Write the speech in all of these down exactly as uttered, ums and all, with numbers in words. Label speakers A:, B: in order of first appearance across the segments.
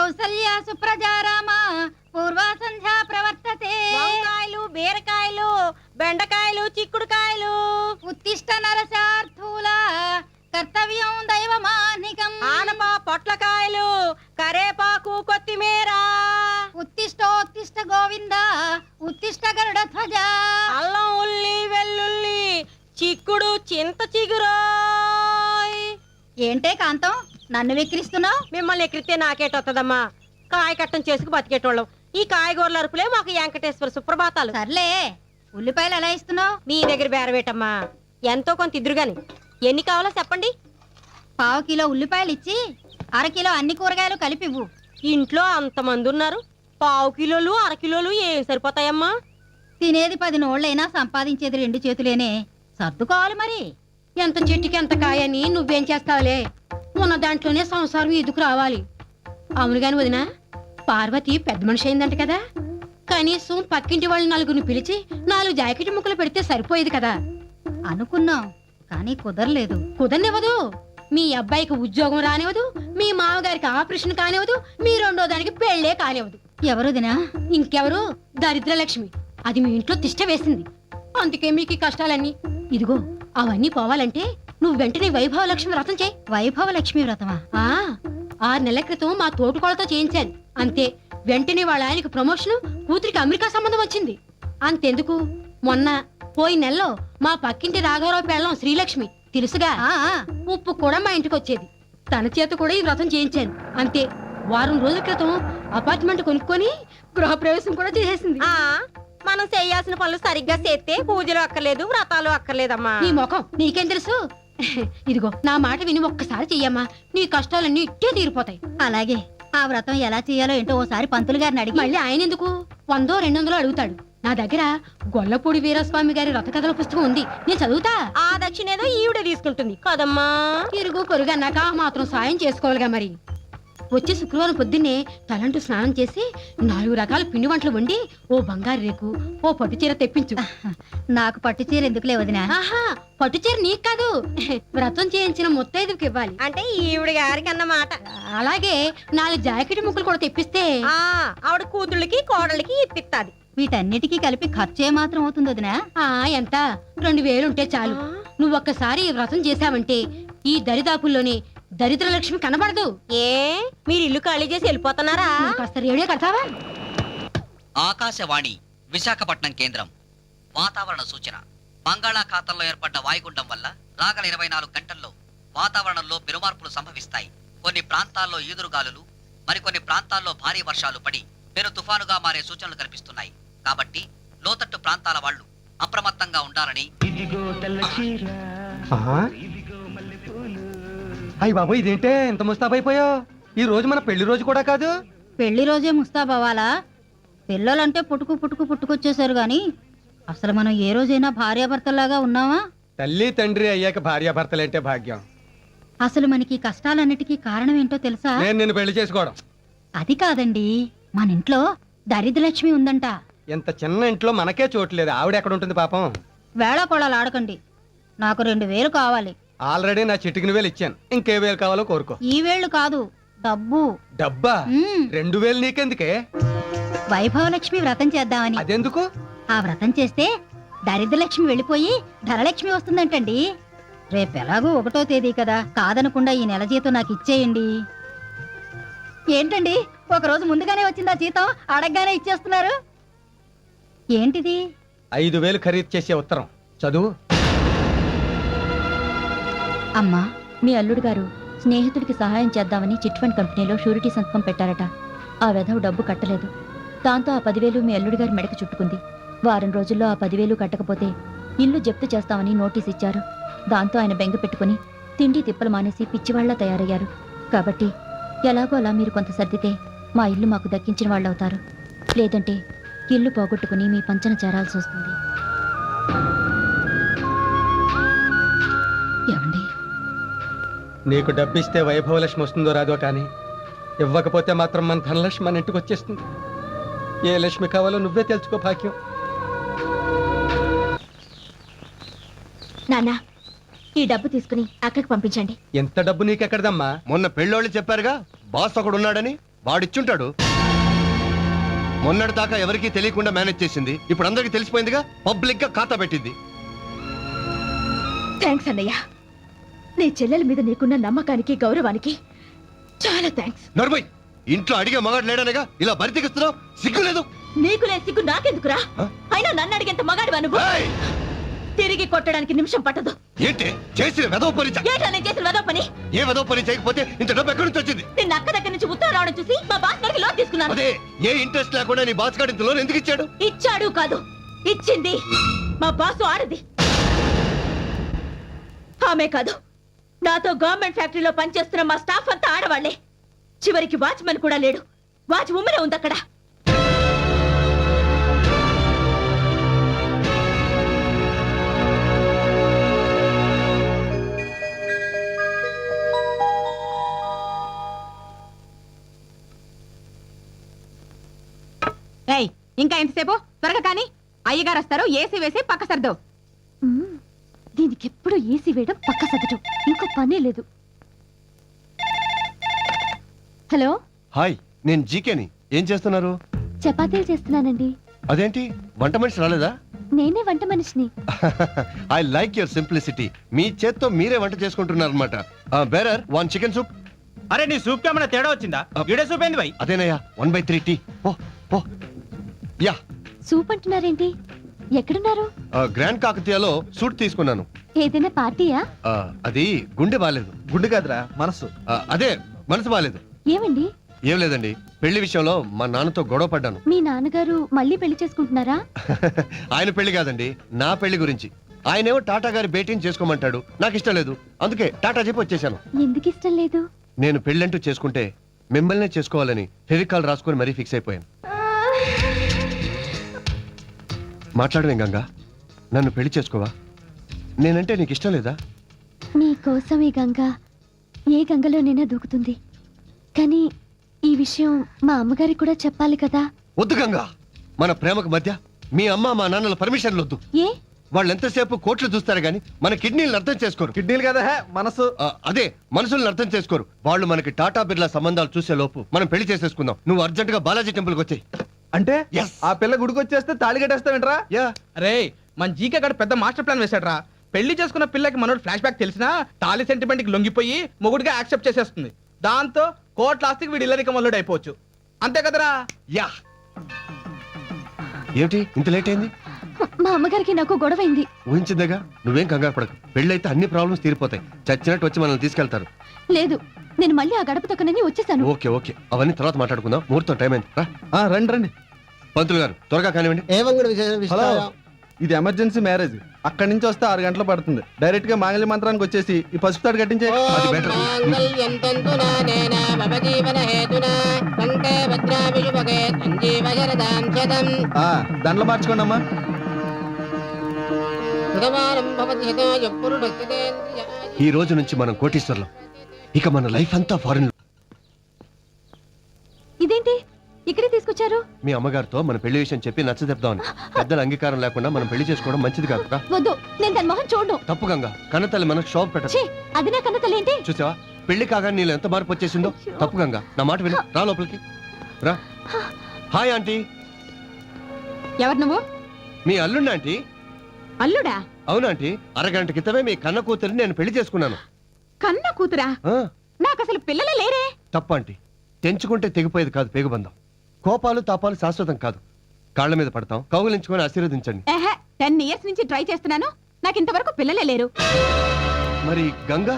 A: కౌసల్య సుప్రజారామ పూర్వ సంధ్యా ప్రవర్తతే.
B: వంకాయలు, బీరకాయలు, బెండకాయలు, చిక్కుడుకాయలు.
A: ఉత్తిష్ట నరసార్థూల కర్తవ్యం దైవమానికం.
B: ఆనపా పొట్లకాయలు, కరేపాకు, కొత్తిమీర.
A: ఉత్తిష్టోత్తిష్ట గోవింద ఉత్తిష్ట గరుడ ధ్వజ.
B: అల్లం, ఉల్లి, వెల్లుల్లి, చిక్కుడు, చింత చిగురు.
A: ఏంటే కాంతం నన్ను విక్రిస్తున్నావు?
B: మిమ్మల్ని ఎక్కిరితే నాకేటొత్తదమ్మా. కాయ కట్టం చేసుకు బతికేటోళ్ళం. ఈ కాయగూరల అరుపులే మాకు వెంకటేశ్వర సుప్రభాతాలు.
A: సర్లే, ఉల్లిపాయలు ఎలా ఇస్తున్నావు?
B: నీ దగ్గర బేరవేటమ్మా. ఎంతో కొంత ఇద్దరు గాని. ఎన్ని కావాలో చెప్పండి.
A: పావు కిలో ఉల్లిపాయలు ఇచ్చి అర కిలో అన్ని కూరగాయలు కలిపివ్వు.
B: ఇంట్లో అంతమంది ఉన్నారు, పావు కిలోలు అరకిలోలు ఏం సరిపోతాయమ్మా?
A: తినేది పది నోళ్ళైనా సంపాదించేది రెండు చేతులేనే, సర్దుకోవాలి మరి.
C: ఎంత చెట్టుకి ఎంత కాయని నువ్వేం చేస్తావులే, ఉన్న దాంట్లోనే సంసారం ఎదుకు రావాలి. అవును గాని వదినా, పార్వతి పెద్ద మనిషి అయిందంట కదా, కనీసం పక్కింటి వాళ్ళు నలుగురిని పిలిచి నాలుగు జాకెట్ ముక్కలు పెడితే సరిపోయేది కదా.
A: అనుకున్నాం కానీ కుదరలేదు.
C: కుదరనివ్వదు. మీ అబ్బాయికి ఉద్యోగం రానివ్వదు, మీ మామగారికి ఆపరేషన్ కానివ్వదు, మీ రెండో దానికి పెళ్లే కానివ్వదు.
A: ఎవరుదినా?
C: ఇంకెవరు? దరిద్రలక్ష్మి. అది మీ ఇంట్లో తిష్ట వేసింది, అందుకే మీకు ఈ కష్టాలన్నీ. ఇదిగో అవన్నీ పోవాలంటే నువ్వు వెంటనే వైభవ లక్ష్మి వ్రతం చేయి.
A: వైభవ లక్ష్మి వ్రతమా?
C: ఆ ఆరు నెలల క్రితం మా తోటుకోళ్ళతో చేయించాను, అంతే. వెంటనే వాళ్ళ ఆయనకు ప్రమోషన్, కూతురికి అమెరికా సంబంధం వచ్చింది. అంతెందుకు, మొన్న పోయి నెలలో మా పక్కింటి రాఘవరావు పెళ్ళం శ్రీలక్ష్మి తెలుసుగా, ఉప్పు కూడా మా ఇంటికి వచ్చేది. తన చేత కూడా ఈ వ్రతం చేయించాను, అంతే. వారం రోజుల క్రితం అపార్ట్మెంట్ కొనుక్కొని గృహప్రవేశం కూడా చేసేసింది.
B: ఆ మనం చేయాల్సిన పనులు సరిగ్గా చేస్తే పూజలు అక్కర్లేదు, వ్రతాలు అక్కర్లేదమ్మా.
C: నీ ముఖం నీకేం తెలుసు? ఇదిగో నా మాట విని ఒక్కసారి చెయ్యమ్మా, నీ కష్టాలన్నీ ఇట్టే తీరిపోతాయి.
A: అలాగే. ఆ వ్రతం ఎలా చేయాలో ఏంటో ఓసారి పంతులు గారిని అడిగి.
C: మళ్ళీ ఆయన ఎందుకు వందో రెండు వందలు అడుగుతాడు. నా దగ్గర గొల్లపూడి వీరస్వామి గారి రథ కథల పుస్తకం ఉంది, నేను చదువుతా.
B: ఆ దక్షిణ ఏదో ఈవిడ తీసుకుంటుంది కదమ్మా.
C: ఇరుగు పొరుగు అన్నాక మాత్రం సాయం చేసుకోవాలిగా మరి. వచ్చే శుక్రవారం పొద్దున్నే తలంటూ స్నానం చేసి నాలుగు రకాల పిండి వంటలు వండి ఓ బంగారు రేకు, ఓ పట్టు చీర తెప్పించు.
A: నాకు పట్టు చీర ఎందుకులే వదినా?
C: ఆహా, పట్టు చీర నీకు కాదు, వ్రతం చేయించిన ముత్తైదుకి ఇవ్వాలి.
B: అంటే ఈవిడ గారికి అన్నమాట.
C: అలాగే నాలుగు జాకెట్ ముక్కలు కూడా తెప్పిస్తే
B: ఆ ఆవిడ కూతుళ్ళకి కోడళ్ళకి ఇప్పిస్తాది.
A: వీటన్నిటికీ కలిపి ఖర్చు ఏ మాత్రం అవుతుంది వదినా?
C: ఆ ఎంత రెండు వేలు ఉంటే చాలు. నువ్వు ఒక్కసారి ఈ వ్రతం చేశావంటే ఈ దరిదాపుల్లోనే దరిద్ర లక్ష్మి కనబడదు.
B: ఏ మీరు ఇల్లు ఖాళీ చేసి వెళ్ళిపోతున్నారా?
C: కాస్త రేడియో కడతావా?
D: ఆకాశవాణి విశాఖపట్నం కేంద్రం. వాతావరణ సూచన. బంగాళాఖాతంలో ఏర్పడ్డ వాయుగుండం వల్ల రాగల ఇరవై నాలుగు గంటల్లో వాతావరణంలో పెనుమార్పులు సంభవిస్తాయి. కొన్ని ప్రాంతాల్లో ఈదురుగాలులు, మరికొన్ని ప్రాంతాల్లో భారీ వర్షాలు పడి పెను తుఫానుగా మారే సూచనలు కనిపిస్తున్నాయి. కాబట్టి లోతట్టు ప్రాంతాల వాళ్ళు అప్రమత్తంగా ఉండాలని.
E: అయ్య బాబు, ఇదేంటే ఇంత ముస్తాబైపోయావు? ఈ రోజు మన పెళ్లి రోజు కూడా కాదు.
A: పెళ్లి రోజే ముస్తాబవ్వాలా? పిల్లలంటే పుట్టుకు పుట్టుకు పుట్టుకొచ్చేసారు గాని అసలు మనం ఏ రోజైనా భార్యాభర్తల్లాగా ఉన్నావా?
E: తల్లి తండ్రి అయ్యాక భార్యాభర్తలంటే భాగ్యం.
A: అసలు మనకి కష్టాలన్నిటికీ కారణం ఏంటో తెలుసా?
E: నేను నిన్ను పెళ్లి చేసుకోవడం.
A: అది కాదండి, మన ఇంట్లో దరిద్రలక్ష్మి ఉందంట.
E: ఇంత చిన్న ఇంట్లో మనకే చోట్లేదు, ఆవిడ ఎక్కడ ఉంటుంది పాపం?
A: వేళాకోళాలు ఆడకండి. నాకు రెండు వేలు కావాలి.
E: ఆల్రెడీ నా చిటికిన వేలు ఇచ్చాను, ఇంకే వేలు కావాలో కోరుకో.
A: ఈ వేళ్ళు కాదు, డబ్బు.
E: డబ్బా? రెండు వేలు నీకెందుకే?
A: వైభవలక్ష్మి వ్రతం చేద్దామని.
E: అదెందుకు?
A: ఆ వ్రతం చేస్తే దరిద్రలక్ష్మి వెళ్ళిపోయి ధనలక్ష్మి వస్తుందంటండి. రేపు ఎలాగో ఒకటో తేదీ కదా, కాదనకుండా ఈ నెల జీతం నాకు ఇచ్చేయండి. ఏంటండి, ఒక రోజు ముందుగానే వచ్చిందా జీతం? అడగగానే ఇచ్చేస్తున్నారు ఏంటిది?
E: ఐదు వేలు ఖరీదు చేసే ఉత్తరం చదువు.
F: అమ్మా, మీ అల్లుడు గారు స్నేహితుడికి సహాయం చేద్దామని చిట్ ఫండ్ కంపెనీలో షూరిటీ సంతకం పెట్టారట. ఆ వెధవ డబ్బు కట్టలేదు. దాంతో ఆ పదివేలు మీ అల్లుడి గారి మెడకు చుట్టుకుంది. వారం రోజుల్లో ఆ పదివేలు కట్టకపోతే ఇల్లు జప్తు చేస్తామని నోటీస్ ఇచ్చారు. దాంతో ఆయన బెంగ పెట్టుకుని తిండి తిప్పలు మానేసి పిచ్చివాళ్ల తయారయ్యారు. కాబట్టి ఎలాగో అలా మీరు కొంత సర్దితే మా ఇల్లు మాకు దక్కించిన వాళ్ళవుతారు. లేదంటే ఇల్లు పోగొట్టుకుని మీ పంచన చేరాల్సి వస్తుంది.
A: ఏమండి,
E: నీకు డబ్బిస్తే వైభవలక్ష్మి వస్తుందో రాదో కానీ ఇవ్వకపోతే మాత్రం మన ధనలక్ష్మి మన ఇంటికి వచ్చేస్తుంది. ఏ లక్ష్మి కావాలో నువ్వే తెలుసుకో భాగ్యం.
F: నాన్న, ఈ డబ్బు తీసుకుని అక్కడికి పంపించండి.
E: ఎంత డబ్బు నీకెక్కడదమ్మా?
G: మొన్న పెళ్ళోళ్ళు చెప్పారుగా బాస్ ఒకడు ఉన్నాడని. వాడిచ్చుంటాడు. మొన్నటి దాకా ఎవరికీ తెలియకుండా మేనేజ్ చేసింది, ఇప్పుడు అందరికీ తెలిసిపోయిందిగా, పబ్లిక్ గా ఖాతా పెట్టింది.
F: థ్యాంక్స్ అన్నయ్య. నీ చెల్లెల మీద నీకున్న నమ్మకానికి గౌరవానికి చాలా థ్యాంక్స్.
G: నర్మయ్, ఇంట్లో అడిగే మగాడు లేడనేగా ఇలా బరి తెగిస్తున్నావు? సిగ్గులేదు?
F: నీకు లేని సిగ్గు నాకెందుకురా? అయినా నన్ను అడిగేంత మగాడివా నువ్వు?
G: ఏయ్!
F: తిరిగి కొట్టడానికి నిమిషం పట్టదు.
G: ఏంటి చేసిన వెదవ పని? చ-
F: ఏంటా నేను చేసిన వెదవ పని?
G: ఏ వెదవ పని చేయకపోతే ఇంత డబ్బు ఎక్కడి నుంచి వచ్చింది?
F: నిన్న అక్క దగ్గర నుంచి ఉత్తరం రావడం చూసి మా బాస్ గారికి లోన్ తీసుకున్నాను.
G: అదే, ఏ ఇంట్రెస్ట్ లేకుండా నీ బాస్ గారు ఇంత లోన్ ఎందుకు ఇచ్చాడు?
F: ఇచ్చాడు కాదు, ఇచ్చింది మా బాసు ఆడది. ఆమె కాదు, నాతో గవర్నమెంట్ ఫ్యాక్టరీలో పనిచేస్తున్న మా స్టాఫ్ అంతా ఆడవాళ్లే. చివరికి వాచ్మెన్ కూడా లేడు, వాచ్ ఉమ్మరే ఉంది అక్కడ.
B: ఏయ్ ఇంకా ఎంతసేపు? త్వరగా కానీ అయ్యగారు వస్తారు. ఏసీ వేసి పక్క సర్దు.
F: దీనికి ఎప్పుడు ఏసీ వేయడం, పక్క సదటం, ఇంకో పనే లేదు. హలో,
G: హాయ్, నేను జీకేని. ఏం చేస్తున్నారు?
F: చపాతీలు చేస్తున్నానండి.
G: అదేంటి, వంట మనిషి రాలేదా?
F: నేనే వంట మనిషిని.
G: I like your simplicity. మీ చేత్తో మీరే వంట చేసుకుంటున్నారు అనమాట. Bearer one chicken soup.
H: అరే నీ సూప్ కి ఏమైనా తేడా వచ్చిందా? ఈడే సూప్ ఏంది భయ్?
G: అదేనయ్యా, one by three tea. Oh oh yeah.
F: Soup అంటున్నారేంటి? ఎక్కడున్నారు?
G: గ్రాండ్ కాకతీయలో సూట్ తీసుకున్నాను.
F: ఏదైనా పార్టీయా?
G: ఆ, అది గుండె బాలేదు.
E: గుండు కాదురా, మనసు.
G: ఆ, అదే మనసు బాలేదు.
F: ఏమండి,
G: ఏం లేదండి, పెళ్లి విషయంలో మా నాన్నతో గొడవ పడ్డాను.
F: మీ నాన్నగారు మళ్ళీ పెళ్లి చేసుకుంటున్నారా?
G: ఆయన పెళ్లి కాదండి, నా పెళ్లి గురించి. ఆయనేమో టాటా గారి భేటీని చేసుకోమంటాడు, నాకు ఇష్టం లేదు. అందుకే టాటా చెప్పి వచ్చేసాను.
F: ఎందుకు ఇష్టం లేదు?
G: నేను పెళ్ళంటూ చేసుకుంటే మిమ్మల్నే చేసుకోవాలని ఫెవికాల్ రాసుకొని మరీ ఫిక్స్ అయిపోయాను. మాట్లాడవేం గంగా, నన్ను పెళ్లి చేసుకోవా? నేనంటే నీకు ఇష్టం లేదా?
F: నీ కోసం ఈ గంగ ఏ గంగలోనైనా దూకుతుంది. కానీ ఈ విషయం మా అమ్మగారికి కూడా చెప్పాలి కదా.
G: వద్దు గంగా, మన ప్రేమకు మధ్య మీ అమ్మ మా నాన్నల పర్మిషన్లు వద్దు.
F: ఏ?
G: వాళ్ళు ఎంతసేపు కోట్లు చూస్తారు గానీ మన కిడ్నీలను అర్థం చేసుకోరు.
E: కిడ్నీలు కదా, హే, మనసు.
G: ఆ, అదే, మనుషుల్ని అర్థం చేసుకోరు. వాళ్ళు మనకి టాటా బిర్లా సంబంధాలు చూసే లోపు మనం పెళ్లి చేసేసుకుందాం. నువ్వు అర్జెంట్ గా బాలాజీ టెంపుల్కి వచ్చాయి.
E: అంటే
G: Yes.
E: ఆ పిల్ల గుడికి వచ్చేస్తే తాళి కట్టేస్తావేంట్రా?
G: యా.
H: అరే మన జీకే గడు పెద్ద మాస్టర్ ప్లాన్ వేసాడు రా. పెళ్లి చేసుకున్న పిల్లకి మనోడు ఫ్లాష్ బ్యాక్ తెలిసినా తాలి సెంటిమెంట్ కి లొంగిపోయి మొగుడిగా యాక్సెప్ట్ చేసేస్తుంది. దాంతో కోట్ల ఆస్తికి వీడు ఇల్లరిక మల్లుడు అయిపోవచ్చు. అంతే కదరా?
G: యా. ఏమిటి ఇంత లేట్ అయింది?
F: మా అమ్మగారికి నాకు గొడవైంది.
G: ఊహించిందేగా, నువ్వేం కంగారు పడకు. పెళ్ళైతే అన్ని ప్రాబ్లమ్స్ తీరిపోతాయి. చచ్చినట్టు వచ్చి మనల్ని తీసుకెళ్తారు.
F: లేదు, నేను మళ్ళీ ఆ గడప తొక్కనని వచ్చేసాను.
G: ఓకే ఓకే, అవన్నీ తర్వాత మాట్లాడుకుందాం. ముహూర్తం టైం అయింది. రా
E: ఆ, రండి రండి.
G: పంతులు గారు, త్వరగా కానివ్వండి.
E: హలో, ఇది ఎమర్జెన్సీ మ్యారేజ్. అక్కడి నుంచి వస్తే ఆరు గంటలు పడుతుంది. డైరెక్ట్ గా మాంగళ్య మంత్రానికి వచ్చేసి ఈ పసుపు తాడు కట్టించే.
G: అది బెటర్.
E: ఆ, దండలు మార్చుకోండి అమ్మా.
G: ఈ రోజు నుంచి మనం కోటీశ్వర్లం. ఇక మన లైఫ్ అంతా ఫారెన్.
F: ఇదేంటి ఇక్కడే తీసుకొచ్చారు?
G: మీ అమ్మగారితో మన పెళ్లి విషయం చెప్పి నచ్చజెప్దామని. పెద్దల అంగీకారం లేకుండా మనం పెళ్లి చేసుకోవడం మంచిది కాదు.
F: వద్దు, నేను దాని మొహం చూడను.
G: తప్పు గంగా, కన్నతల్లి మనకు షాప్ పెట్టదు.
F: ఛీ, అది నా కన్న తల్లి ఏంటి?
G: చూసావా, పెళ్లి కాగానే నీళ్ళు ఎంత మార్పు వచ్చేసిందో. తప్పు గంగా, నా మాట విను. రా లోపలికి రా. Hi aunty.
B: ఎవరు నువ్వు?
G: మీ అల్లుండి ఆంటీ.
B: అల్లుడా?
G: అవునాంటీ, అరగంట క్రితమే మీ కన్న కూతురిని నేను పెళ్లి చేసుకున్నాను.
B: కన్న కూతురా?
G: ఆ,
B: నాకు అసలు పిల్లలే లేరే.
G: తప్పు ఆంటీ. తెంచుకుంటే తెగిపోయేది కాదు పేగుబంధం. కోపాలు తాపాలు శాశ్వతం కాదు. కాళ్ళ మీద పడతాం, కౌగులించుకొని ఆశీర్వదించండి.
B: ఏహే, టెన్ ఇయర్స్ నుంచి ట్రై చేస్తున్నాను, నాకు ఇంతవరకు పిల్లలే లేరు.
G: మరి గంగా?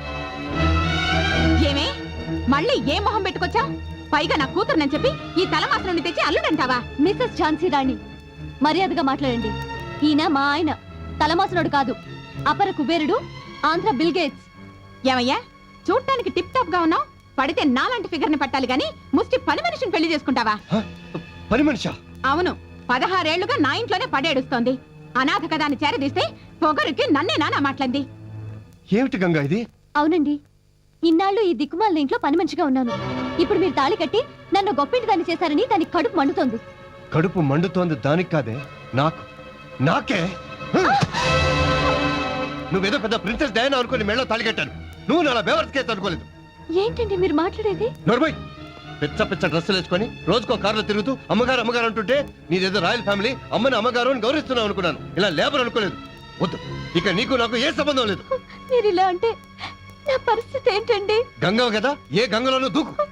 B: ఏమే, మళ్ళీ ఏ మొహం పెట్టుకొచ్చా? పైగా నా కూతురునని చెప్పి ఈ తలమాస నుండి తెచ్చి అల్లుడంటావా?
F: మిస్సెస్ ఝాన్సీ రాణి, మర్యాదగా మాట్లాడండి. ఈయన మా ఆయన, తలమాసనుడు కాదు, అపర కుబేరుడు, ఆంధ్ర బిల్ గేట్స్.
B: ఏమయ్యా, చూడటానికి టిప్ టాప్ గా ఉన్నావు, పడితే నాలాంటి ఫిగర్ ని పట్టాలి గాని ముష్టి పని మనిషిని పెళ్లి చేసుకుంటావా?
G: హ? పని మనిషా?
B: అవును, పదహారేళ్లుగా నా ఇంట్లోనే పడేడుస్తోంది. అనాథ కదా అని చేరదీస్తే పొగరికి నన్నే నానా మాట్లాడింది.
G: ఏమిటి గంగా ఇది?
F: అవునండి, ఇన్నాళ్ళు ఈ దిక్కుమాలిన ఇంట్లో పని మనిషిగా ఉన్నాను. ఇప్పుడు మీరు తాళి కట్టి నన్ను గొప్పింటి దాన్ని చేశారని దానికి కడుపు మండుతోంది.
G: కడుపు మండుతోంది దానికి కాదే, నాకు. నాకే. హ! నువ్వేదో పెద్ద ప్రిన్సెస్ డయానా అనుకుని మెళ్ళో తాళి కట్టాను. నువ్వు నా బేవర్స్ కేసు అనుకోలేదు.
F: ఏంటండి మీరు మాట్లాడేది?
G: నోర్మయ్, పిచ్చ పిచ్చ డ్రెస్సులు వేసుకొని రోజుకో కారులో తిరుగుతూ అమ్మగారు అమ్మగారు అంటుంటే నీదేదో రాయల్ ఫ్యామిలీ అమ్మని అమ్మగారు అని గౌరవిస్తున్నావు అనుకున్నాను. ఇలా లేబర్ అనుకోలేదు. వద్దు, ఇక నీకు నాకు ఏ సంబంధం లేదు.
F: మీరు ఇలా అంటే నా పరిస్థితి ఏంటండి?
G: గంగవ కదా, ఏ గంగలోనూ దూకు.